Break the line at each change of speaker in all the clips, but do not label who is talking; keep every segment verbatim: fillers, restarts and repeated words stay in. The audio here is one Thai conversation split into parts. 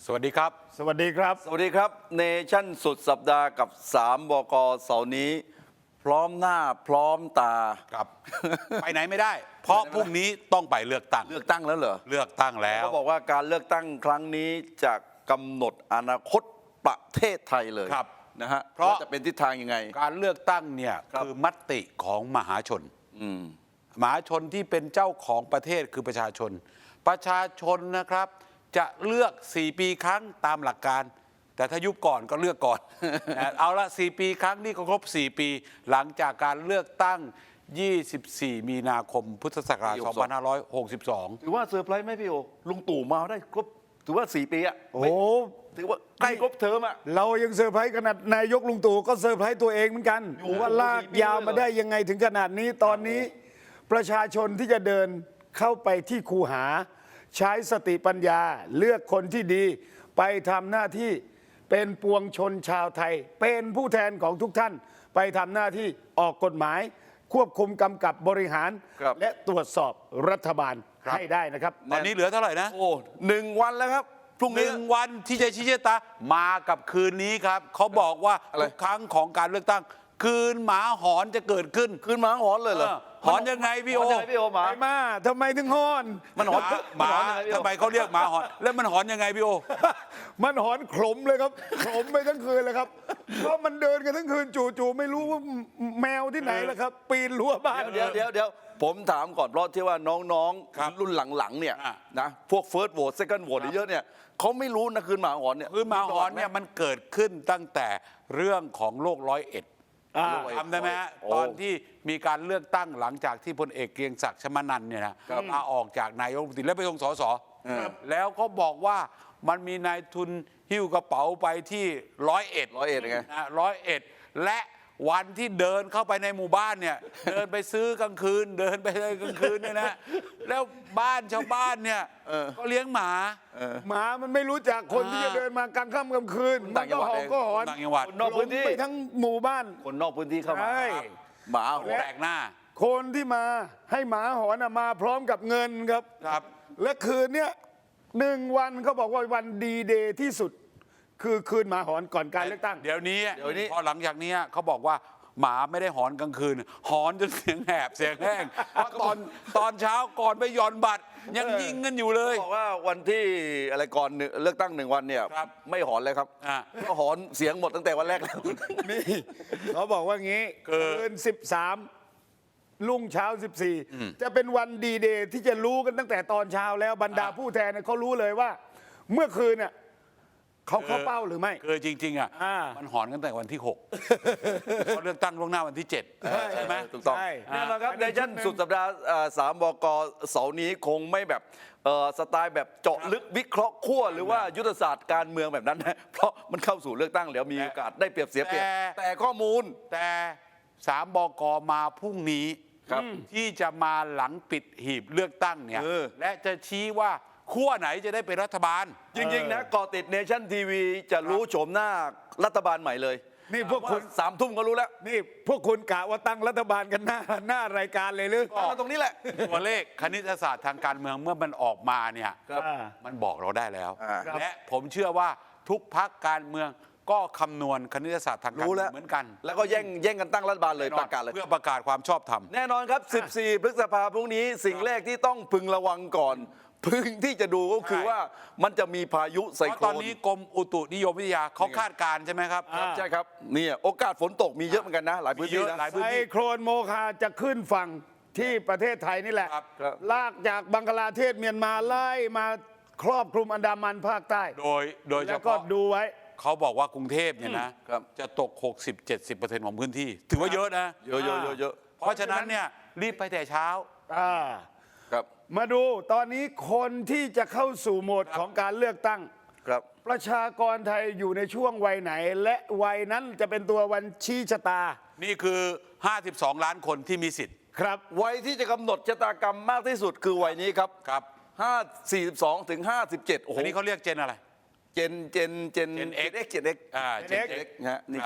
สวัสดีครับ
สวัสดีครับ
สวัสดีครับเนชั่นสุดสัปดาห์กับสามบกเสาร์นี้ พร้อมหน้าพร้อมตา
ครับ ไปไหนไม่ได้ เพราะพรุ่งนี้ต้องไปเลือกตั้ง
เลือกตั้งแล้วเหรอ
เลือกตั้งแล้ว
เขาบอกว่าการเลือกตั้งครั้งนี้จะกำหนดอนาคตประเทศไทยเลย
ครับ
นะฮะ
เพราะ
จะเป็นทิศทางยังไง
การเลือกตั้งเนี่ยคือมติของมหาชนมหาชนที่เป็นเจ้าของประเทศคือประชาชน ประชาชนนะครับจะเลือกสี่ปีครั้งตามหลักการแต่ถ้ายุบก่อนก็เลือกก่อน เอาละสี่ปีครั้งนี่ก็ครบสี่ปีหลังจากการเลือกตั้งยี่สิบสี่มีนาคมพุทธศักราชสองพันห้าร้อยหกสิบสอง
ถือว่าเซอร์ไพรส์ไหมพี่โอลุงตู่มาได้ครบถือว่าสี่ปีอะ
โอ้
ถือว่าใกล้ครบเทอมอะ
เรายังเซอร์ไพรส์ขนาดนายกลุงตู่ก็เซอร์ไพรส์ตัวเองเหมือนกันว่าลากยาวมาได้ยังไงถึงขนาดนี้ตอนนี้ประชาชนที่จะเดินเข้าไปที่คูหาใช้สติปัญญาเลือกคนที่ดีไปทำหน้าที่เป็นปวงชนชาวไทยเป็นผู้แทนของทุกท่านไปทำหน้าที่ออกกฎหมายควบคุมกำกับบริหารและตรวจสอบรัฐบาลให้ได้นะครับ
ตอนนี้เหลือเท่าไหร่นะ
โอ้หนึ่งวันแล้วครับพรุ่งนี้
หนึ่งวันที่จะชี้ชะตามากับคืนนี้ครับเขาบอกว่าทุกครั้งของการเลือกตั้งคืนหมาหอนจะเกิดขึ้น
คืนหมาหอนเลยเหรอ
หอนยังไงพี่โอ
พี่โอหมา
ไปมาทำไมถึงหอน
มันหอน
หมาทำไมเขาเรียกหมาหอนแล้วมันหอนยังไงพี่โอ
มันหอนขลมเลยครับขลมไปทั้งคืนเลยครับเพราะมันเดินกันทั้งคืนจู่ๆไม่รู้ว่าแมวที่ไหนแล้วครับปีนรั้วบ้าน
เดี๋ยวเดี๋ยวเดี๋ยวผมถามก่อนเพราะที่ว่าน้องๆรุ่นหลังๆเนี่ยนะพวกเฟิร์สโหวตเซคันด์โหวตเยอะเนี่ยเขาไม่รู้นะคืนหมาหอนเนี่ย
คืนหมาหอนเนี่ยมันเกิดขึ้นตั้งแต่เรื่องของโรคร้อยเอ็ดทำได้ไหมฮะตอนที่มีการเลือกตั้งหลังจากที่พลเอกเกรียงศักดิ์ชมานันท์เนี่ยนะลาออกจากนายกรัฐมนตรีแล้วไปลงสสแล้วก็บอกว่ามันมีนายทุนหิ้วกระเป๋าไปที่ร้อยเอ็ด
ร้อยเอ็ดไง
ร้อยเอ็ดและวันที่เดินเข้าไปในหมู่บ้านเนี่ยเดินไปซื้อกลางคืนเดินไปเลยกลางคืนเนี่ยนะแล้วบ้านชาวบ้านเนี่ยก็เลี้ยงหมา
หมามันไม่รู้จักคนที่จะเดินมากลางค่ำกลางคืนมันก็หอนก็หอน
ต่างจังหวัด
นอกพื้นที่
ไปทั้งหมู่บ้าน
คนนอกพื้นที่เข้ามาหมา
แปลกหน้า
คนที่มาให้หมาหอนมาพร้อมกับเงินครับ
ครับ
และคืนเนี้ยหนึ่งวันเขาบอกว่าวันดีเดย์ที่สุดคือคืนหมาหอนก่อนการเลือกตั้ง
เดี๋ยวนี้เดี๋ยวนี้พอหลังจากนี้เขาบอกว่าหมาไม่ได้หอนกลางคืนหอนจนเสียงแหบเสียงแห้งเพราะตอนตอนเช้าก่อนไปหย่อนบัตรยังยิงกันอยู่เลย
บอกว่าวันที่อะไรก่อนเลือกตั้งหนึ่งวันเนี่ยไม่หอนเลยครับก็หอนเสียงหมดตั้งแต่วันแรกแล้ว
นี่เขาบอกว่างี้คืนสิบสามรุ่งเช้าสิบสี่จะเป็นวันดีเดย์ที่จะรู้กันตั้งแต่ตอนเช้าแล้วบรรดาผู้แทนเขารู้เลยว่าเมื่อคืนเนี่ยเขาเข้าเป้าหรือไม่
คือจริงๆอ่ะมันหอนกันแต่วันที่หกเขาเลือกตั้งล่วงหน้าวันที่เจ็ดใช่ไหม
ถูกต้องนี่แหละครับในชั้นสุดสัปดาห์สามบกเสาร์นี้คงไม่แบบสไตล์แบบเจาะลึกวิเคราะห์ขั้วหรือว่ายุทธศาสตร์การเมืองแบบนั้นนะเพราะมันเข้าสู่เลือกตั้งแล้วมีโอกาสได้เปรียบเสียเปรียบแต่ข้อมูล
แต่สามบกมาพรุ่งนี้ที่จะมาหลังปิดหีบเลือกตั้งเนี่ยและจะชี้ว่าขั้วไหนจะได้เป็นรัฐบาล
จริงๆนะก่อติดเนชั่นทีวีจะรู้โฉมหน้ารัฐบาลใหม่เลย
นี่พวกคุณ
สามทุ่มก็รู้แล้ว
นี่พวกคุณกะว่าตั้งรัฐบาลกันหน้าหน้ารายการเลยหรือ
ตรงนี้แหละ
ตัวเลขคณิตศาสตร์ทางการเมืองเมื่อมันออกมาเนี่ยมันบอกเราได้แล้วและผมเชื่อว่าทุกพรรคการเมืองก็คำนวณคณิตศาสตร์ทางการเมืองเหมือนกัน
แล้วก็แย่งแย่งกันตั้งรัฐบาลเลยประกาศเลย
เพื่อประกาศความชอบธรรม
แน่นอนครับสิบสี่พฤษภาคมพรุ่งนี้สิ่งแรกที่ต้องพึงระวังก่อนพึงที่จะดูก็คือว่ามันจะมีพายุไซโคลน
ตอนนี้กรมอุตุนิยมวิทยาเขาคาดการณ์ใช่ไหมครับ
ใช่ครับนี่โอกาสฝนตกมีเยอะเหมือนกันนะหลายพื้นที่นะ
ไซโคลนโมคาจะขึ้นฝั่งที่ประเทศไทยนี่แหละลากจากบังกลาเทศเมียนมาไล่มาครอบคลุมอันดามันภาคใต้
โดยโดยเฉพาะ
แล้วก็ดูไว้
เขาบอกว่ากรุงเทพเนี่ยนะจะตก หกสิบถึงเจ็ดสิบเปอร์เซ็นต์ ของพื้นที่ถือว่าเยอะนะ
เยอะเยอะเยอะ
เพราะฉะนั้นเนี่ยรีบไปแต่เช้า
ครับมาดูตอนนี้คนที่จะเข้าสู่โหมดของการเลือกตั้ง
ครับ
ประชากรไทยอยู่ในช่วงวัยไหนและวัยนั้นจะเป็นตัววันชี้ชะตา
นี่คือห้าสิบสองล้านคนที่มีสิทธิ์
ครับ
วัยที่จะกำหนดชะตากรรมมากที่สุดคือวัยนี้ครับ
ครับ
ห้าสี่สิบสองถึงห้าสิบเจ็ดโอ้โห
อันนี้เขาเรียกเจนอะไร
เจนเจนเจน
เจนเอ็ก
เจนเอ็กอ่า
เจนเอ็ก
นะนี่เจนเอ็ก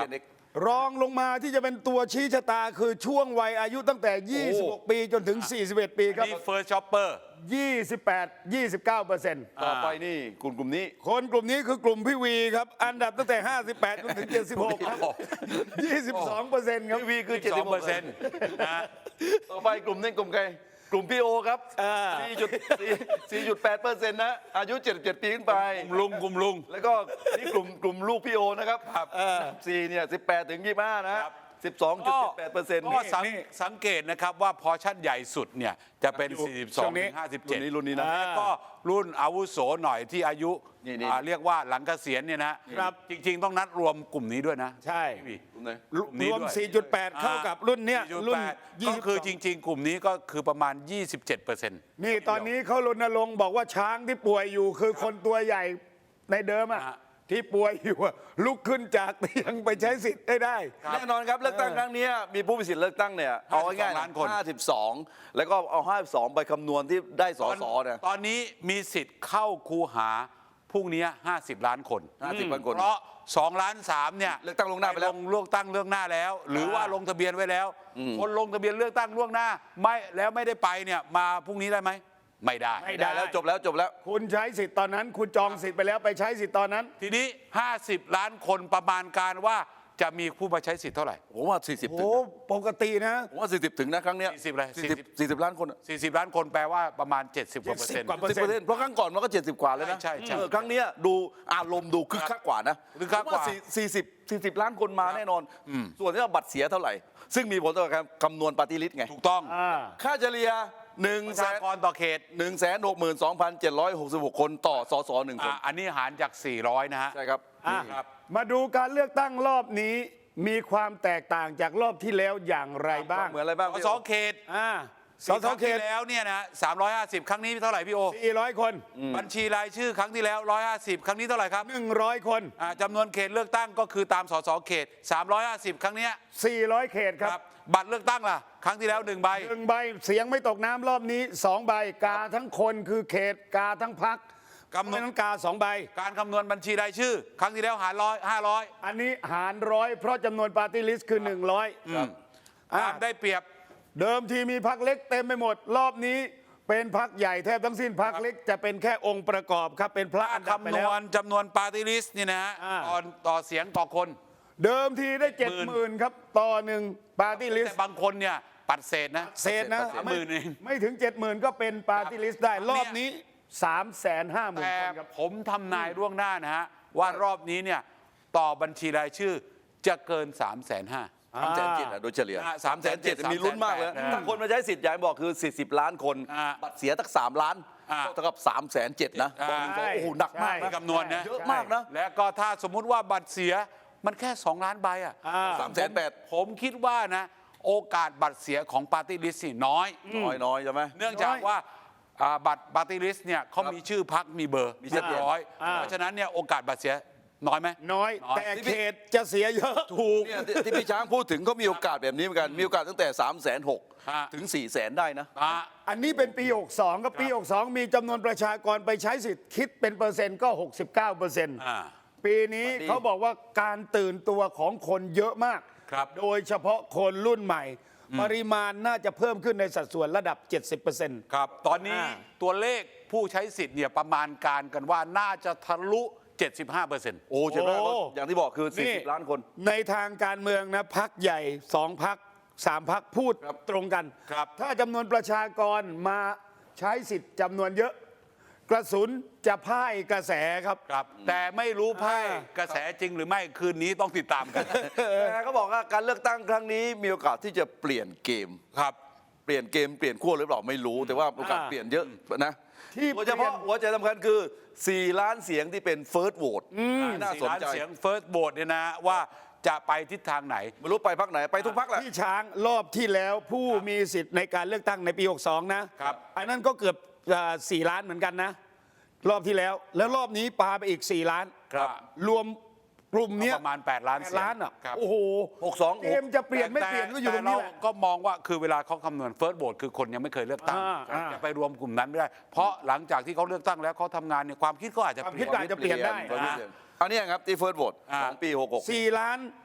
รองลงมาที่จะเป็นตัวชี้ชะตาคือช่วงวัยอายุตั้งแต่ ยี่สิบหก ปีจนถึง สี่สิบเอ็ด ปีครับ
นี่ first shopper
ยี่สิบแปด ยี่สิบเก้าเปอร์เซ็นต์
ต่อไปนี่กลุ่มกลุ่มนี้
คนกลุ่มนี้คือกลุ่มพี่วีครับ อันดับตั้งแต่ ห้าสิบแปดจนถึง เจ็ดสิบหก ครับ ยี่สิบสองเปอร์เซ็นต์ครับ
ทีวีคือ
สิบสองเปอร์เซ็นต์
เจ็ดสิบหก
นะ
ต่อไปกลุ่มนี้กลุ่มใครกลุ่มพี่โอครับ
อ่า
สี่จุดสี่จุดแปดเปอร์เซ็นต์นะอายุเจ็ดสิบเจ็ดปีขึ้นไป
กลุ่มลุงกลุ่มลุง
แล้วก็นี่กลุ่มกลุ่มลูกพี่โอนะครับ
ครับ
สี่เนี่ยสิบแปดถึงยี่สิบห้านะครับ สิบสองจุดเจ็ดแปดเปอร์เซ็นต์
ก็สังสังเกตนะครับว่าพอชั่นใหญ่สุดเนี่ยจะเป็น
อยู่
สี่สิบส
ช่
อง
วงนี้
ถึงห้าสิบ
รุ่
เจ็ด
นนี้รุ่นนี้นะ
แล้วก็รุ่นอาวุโสหน่อยที่อายุ
นี่นี่
อ่าเรียกว่าหลังเกษียณเนี่ยนะครับ จริง ๆ ต้องนัดรวมกลุ่มนี้ด้วยนะ
ใช่
พี่
กลุ่มไหน
กลุ่มนี้
รวม
ด้วย
สี่จุดแปด เข้ากับรุ่นเนี้ย
สี่จุด
รุ่น
แปด
ยี่
ก็
สิบ
คือจริง ๆ กลุ่มนี้ก็คือประมาณ ยี่สิบเจ็ดเปอร์เซ็นต์
นี่ตอนนี้เขารณรงค์บอกว่าช้างที่ป่วยอยู่คือคนตัวใหญ่ในเดิมอะ
ฮะ
ที่ป่วยอยู่อะลุกขึ้นจากเตียงไปใช้สิทธิ์ได้ได้
แน่นอนครับเลือกตั้งครั้งนี้มีผู้มีสิทธิ์เลือกตั้งเนี่ยเอาง่ายๆ
ล้านคน
ห้าสิบสองแล้วก็เอาห้าสิบสองไปคำนวณที่ได้สสเนี่ย
ตอนนี้มีสิทธิ์เข้าคูหาพรุ่งนี้ห้าสิบล้านคน
ห้าสิบล้านคน
เพราะสองล้านสามเนี่ย
เลือกตั้งล่วงหน้าไปแล้ว
ลงเลือกตั้งเลือกหน้าแล้ว หรือว่าลงทะเบียนไว้แล้ว คนลงทะเบียนเลือกตั้งล่วงหน้าไม่แล้วไม่ได้ไปเนี่ยมาพรุ่งนี้ได้ไหมไม่ได้
ไม่
ได้แล้วจบแล้วจบแล้ว
คุณใช้สิทธิ์ตอนนั้น คุณจองสิทธิ์ไปแล้วไปใช้สิทธิ์ตอนนั้น
ทีนี้ ห้าสิบ ล้านคนประมาณการว่าจะมีผู้มาใช้สิทธิ์เท่าไหร่
ผมว่าสี่สิบ
โอ้
ถึง
ปกตินะ
ผมว่าสี่สิบถึงนะครั้งเนี้ย
สี่สิบอะไร
สี่สิบสี่สิบล้านคนอะ
สี่สิบ ล้านคนแปลว่าประมาณ เจ็ดสิบกว่าเปอร์เซ็นต์
กว่า
สิบเปอร์เซ็นต์เพราะครั้งก่อนมันก็เจ็ดสิบกว่าแล้วนะ
ใช่ใช่ใช่
เออครั้งเนี้ยดูอารมณ์ดูคึกคักกว่านะ
คึกคักกว่า
สี่สิบสี่สิบล้านคนมาแน่นอน ส่วนที่ว่าบัตรเสียเท่าไหร่ ซึ่งมีผลต่อการคำนวณปฏิริษีไง
ถูกต้อง
อ่า
ค่าเฉลี่ยหนึ่ง
ประ
แส
ชาน กรต่อเขต
หนึ่งแสนหกหมื่นสองพันเจ็ดร้อยหกสิบหกคนต่อสสหนึ่งคน
อ่ะอันนี้หารจาก สี่ร้อย นะฮะ
ใช่ครับ
อ่ะ
นี่ครับ
มาดูการเลือกตั้งรอบนี้มีความแตกต่างจากรอบที่แล้วอย่างไรบ้าง
เหมือนอะไรบ้าง
ส
พี่
ส
โอ
เขต
อ่าส
ส
ส
ส
เข
เข
ต
ตแล้วเนี่ยนะสามร้อยห้าสิบครั้งนี้เท่าไหร่พี่โอ
สี่ร้อยคน
บัญชีรายชื่อครั้งที่แล้วหนึ่งร้อยห้าสิบครั้งนี้เท่าไหร่ครับ
หนึ่งร้อยคน
อ่าจำนวนเขตเลือกตั้งก็คือตามสสเขตสามร้อยห้าสิบครั้งเนี้ย
สี่ร้อยเขตครับ
บัตรเลือกตั้งล่ะ ครั้งที่แล้วหนึ่งใบ
หนึ่งใบเสียงไม่ตกน้ำรอบนี้สองใบกาทั้งคนคือเขตกาทั้งพัก
กำหนด
นั้นกาสองใบ
การคำนวณบัญชีรายชื่อ ครั้งที่แล้วหารร้อยห้าร้อย
อันนี้หารร้อยเพราะจำนวนปาร์ตี้ลิสต์คือหนึ่งร้อย
ตามได้เปรียบ
เดิมทีมีพักเล็กเต็มไปหมด รอบนี้เป็นพักใหญ่แทบทั้งสิ้นพักเล็กจะเป็นแค่องค์ประกอบครับเป็นพระอันดับไป
คำน
แล้ว
วณจำนวนปาร์ตี้ลิสต์นี่นะฮะ
อ่า
ต่อต่อเสียงต่อคน
เดิมทีได้เจ็ดหมื่นครับต่อหนึ่งปาร์ตี้ลิส
แต่
ต์
บางคนเนี่ยปัดเศษนะ
เศษนะ
สามหมื่นเอง
ไม่ถึงเจ็ดหมื่นก็เป็นปาร์ตี้ลิสต์ได้รอบนี้สามแสนห้าหมื่น
แต่
คนครับ
ผมทำนายล่วงหน้านะฮะ ว่ารอบนี้เนี่ยต่อบัญชีรายชื่อจะเกิน3ามแสนห้า
สามแสนเจ็ดอะโดยเฉลี่ย
อ่า
สามแสนเจ็ด
370,000
มีลุ้นมากเลย
อ่า
ถ้าคนมาใช้สิทธิ์อย่างที่บอกคือสี่สิบล้านคน
อ่า
บัตรเสียตั้งสามล้าน
อ่า
เท่ากับสามแสนเจ็ดนะ
อ่า
ตอนนี้ก็โอ้โหหนักมาก
ใช่
นะ
คำนวณนะ
เยอะมากนะ
และก็ถ้าสมมุติว่าบัตรเสียมันแค่ สอง ล้านใบอ่ะ
อ่า
สามแสนแปด
ผมคิดว่านะโอกาสบัตรเสียของปาร์ตี้ลิสต์นี่น้อย
น้อยน้อยใช่ไหม
เนื่องจากว่าอ่าบัตรปาร์ตี้ลิสต์เนี่ยเขามีชื่อพักมีเบอร์
มีชั
เรี
ด
ย
เจ
บ
น
ร้อย
อ่า
เพราะฉะนั้นเนี่ยโอกาสบัตรเสียน้อยไหม
น้อย
น้อย
แต่เขตจะเสียเยอะถูก
เนี่ยที่ที่พี่ช้างพูดถึงก็มีโอกาสแบบนี้เหมือนกัน มีโอกาสตั้งแต่3ามแสนหก
ฮะ
ถึง4ี่แสนได้นะ
อ่า
อันนี้เป็นปี หกสองกับปี หกสอง มีจำนวนประชากรไปใช้สิทธิ์คิดเป็นเปอร์เซ็นต์ก็ หกสิบเก้าเปอร์เซ็นต์
อ่า
ปีนี้
ดี
เขาบอกว่าการตื่นตัวของคนเยอะมาก
ครับ
โดยเฉพาะคนรุ่นใหม่ ปริมาณน่าจะเพิ่มขึ้นในสัดส่วนระดับ เจ็ดสิบเปอร์เซ็นต์
ครับ ตอนนี้
อ่า
ตัวเลขผู้ใช้สิทธิ์เนี่ยประมาณการกันว่าน่าจะทะลุ เจ็ดสิบห้าเปอร์เซ็นต์
โอ้ใช่ไหมก็อย่างที่บอกคือ 40 ล้านคน
ในทางการเมืองนะพักใหญ่สองพักสามพักพูด
ครับ
ตรงกัน
ครับ
ถ้าจำนวนประชากรมาใช้สิทธิ์จำนวนเยอะ กระสุนจะพ่ายกระแสครับ
ครับ แต่ไม่รู้ไพ่
อ่าก
ระแสจริงหรือไม่คืนนี้ต้องติดตามกัน
แต่เขาบอกว่าการเลือกตั้งครั้งนี้มีโอกาสที่จะเปลี่ยนเกม
ครับ
เปลี่ยนเกมเปลี่ยนขั้วหรือเปล่าไม่รู้ แต่ว่าโอกาส
อ่า
เปลี่ยนเยอะนะ
ที่
โดยเฉพาะ
เปลี่ยน
หัวใจสำคัญคือ 4 ล้านเสียงที่เป็น first vote น่า
สี่
สน
ล้าน
ใจ
เสียง first vote เนี่ยนะว่าจะไปทิศทางไหน
ไม่รู้ไปพักไหนไปทุกพักแหละ
ที่ช้างรอบที่แล้วผู้มีสิทธิ์ในการเลือกตั้งในปี หกสอง นะครับ อันนั้นก็เกือบสี่ล้านเหมือนกันนะ รอบที่แล้ว แล้วรอบนี้ปาไปอีก 4 ล้าน
ครับ
รวมกลุ่มเนี้ย
ประมาณ แปด ล้าน
แปด
เสียง
ล้านอ่ะ
ครับ
โอ้โห
หกสอง
เกมจะเปลี่ยนไม่เปลี่ยนก็อยู่ตรงนี้แหละ
แต่เาก็มองว่าคือเวลาเขาคำนวณ first vote คือคนยังไม่เคยเลือกตั้ง
อ่าอ่า
จะไปรวมกลุ่มนั้นไม่ได้ เพราะหลังจากที่เขาเลือกตั้งแล้วเขาทำงานเนี่ยความคิดเขาอาจจะ
ความ
เปลี่
คิ
ย
ด
น
อาจจะเปลี่ยนได้
อันนี้ครับที่ first vote
อ่า
ของปีหกหก
สี่ล้าน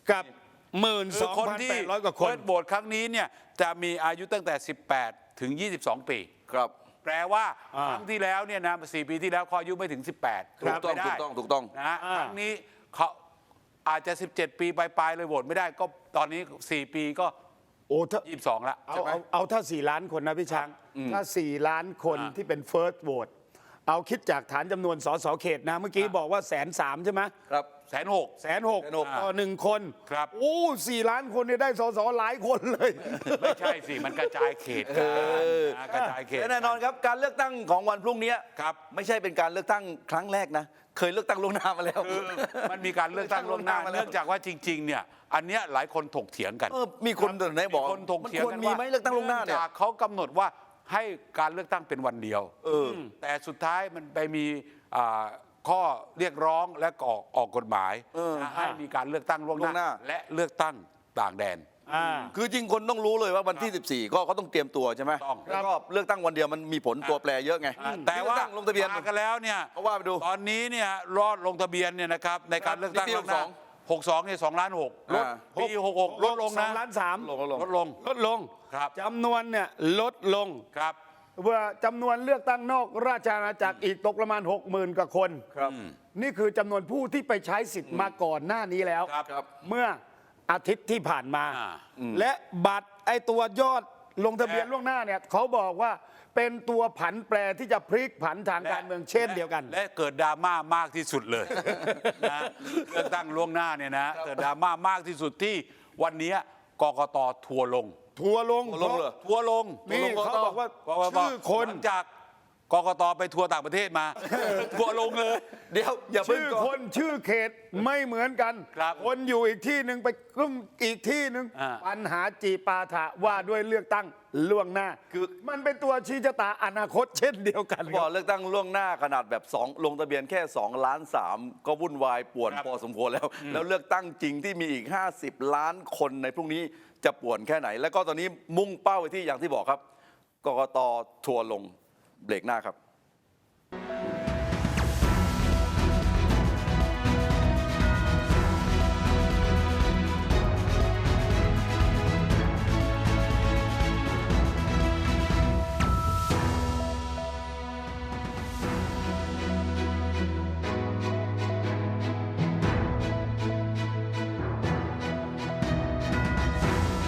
กับหมื่น
คื
ส
อ
อง
คน
พัน
ที่
แปดร้อยกว่าคน
เปิดโหวตครั้งนี้เนี่ยจะมีอายุตั้งแต่ สิบแปด ถึง ยี่สิบสอง ปี
ครับ
แปลว่า
อ่า
ครั้งที่แล้วเนี่ยนะสี่ปีที่แล้วเขาอายุไม่ถึง สิบแปด
ถูกต้อง
ไม่ได้
ถูกต้องถูกต้อง
นะฮะ
อ่า
ครั้งนี้เขาอาจจะ สิบเจ็ด ปีปลายๆเลยโหวตไม่ได้ก็ตอนนี้ สี่ ปีก็
โอ้ถ้า
ยี่สิบสองละ
เอา
ใช่ไหม
เอาเอาถ้า 4 ล้านคนนะพี่ช้าง ถ้า 4 ล้านคน
อ่า
ที่เป็น first vote เอาคิดจากฐานจำนวนสสเขตนะ เมื่อกี้บอกว่าแสนสามใช่ไหม
ครับ
แสนหก
แสนหก
แสนหก
ต่อหนึ่งคน
ครับ
โอ้สี่ล้านคนเนี่ยได้สสหลายคนเลย
ไม่ใช่สิ มันกระจายเขตกันนะกระจายเขต
และแน่นอนครับการเลือกตั้งของวันพรุ่งนี้
ครับ
ไม่ใช่เป็นการเลือกตั้งครั้งแรกนะ เคยเลือกตั้งล่วงหน้ามาแล้ว
คือมันมีการเลือกตั้งล่วงหน้า
เลือกตั้งล่วงหน้ามาแล้ว
เนื่องจากว่าจริง ๆ เนี่ย อันเนี้ยหลายคนถกเถียงกัน
เออมีคนตัวไหนบอก
มีคนถกเถียง
มันควร
กัน
มี
ว่า
ไหมเลือกตั้งล่วงหน้าเนี่ย
นื่องจากเขากำหนดว่าให้การเลือกตั้งเป็นวันเดียว
เออ
แต่สุดท้ายมันไปมีอ่าข้อเรียกร้องและออกออกกฎหมาย
เออ
นะให้มีการเลือกตั้งล่วง
ล่วง
ห
ห
น้า
น้า
และเลือกตั้งต่างแดน
อ่า
คือจริงคนต้องรู้เลยว่าวันที่ สิบสี่ ก็เขาต้องเตรียมตัวใช่ไหม
ต้อง
แล้วก็เลือกตั้งวันเดียวมันมีผลตัวแปรเยอะไง
อ่าแต่ว่า
เลือกตั้งลงทะเบียน
มากันแล้วเนี่ย
เอาว่าไปดู
ตอนนี้เนี่ยรอดลงทะเบียนเนี่ยนะครับในการเลือกตั้ง
นี่ปี
ล่วงหน้า
หกสอง
หกสองเนี่ยสองล้านหกลด
อ่า
ปีหกหกลดลง
สอ
นะ
งล้านสาม
ลงก็ลง
ลดลง
ลดลง
ครับ
จำนวนเนี่ยลดลง
ครับ
เมื่อจำนวนเลือกตั้งนอกราชอาณาจักรอีกตกประมาณ หกหมื่น กว่าคน
ครับ
นี่คือจำนวนผู้ที่ไปใช้สิทธิ์มาก่อนหน้านี้แล้ว
ครับ
ครับ
เมื่ออาทิตย์ที่ผ่านมา
อ่า
และบัตรไอตัวยอดลงทะเบียน
และ
ล่วงหน้าเนี่ยเขาบอกว่าเป็นตัวผันแปรที่จะพลิกผันทาง
และ
การเมืองเช่นเดียวกัน
และเกิดดราม่ามากที่สุดเลย นะเลือกตั้งล่วงหน้าเนี่ยนะเกิดดราม่ามากที่สุดที่วันนี้กกตทัวร์ลง
ทัวร์ลง
ทัวร์ลงเหรอ
ทัวร์ลง
นี่
ทัวร์ลง
เขาบอกว่า
กกต
ชื่อคน
หลังจากกกตไปทัวร์ต่างประเทศมา ทัวร์ลงเลย
เดี๋ยวอย่าเพิ่ง
ชื่อ
ก่อน
คนชื่อเขตไม่เหมือนกัน
ครับ
คนอยู่อีกที่หนึ่งไปกลุ่มอีกที่หนึ่ง
อ่า
ปัญหาจีปาถะว่าด้วยเลือกตั้งล่วงหน้า
คือ
มันเป็นตัวชี้ชะตาอนาคตเช่นเดียวกัน
บ
ค
อ
รั
ก
บ
เลือกตั้งล่วงหน้าขนาดแบบสองลงทะเบียนแค่2ล้านสามก็วุ่นวายป่วน
ครับ
พอสมควรแล้ว แล้วเลือกตั้งจริงที่มีอีก ห้าสิบ ล้านคนในพรุ่งนี้จะป่วนแค่ไหน แล้วก็ตอนนี้มุ่งเป้าไปที่อย่างที่บอกครับกกตทัวร์ลงเบรกหน้าครับ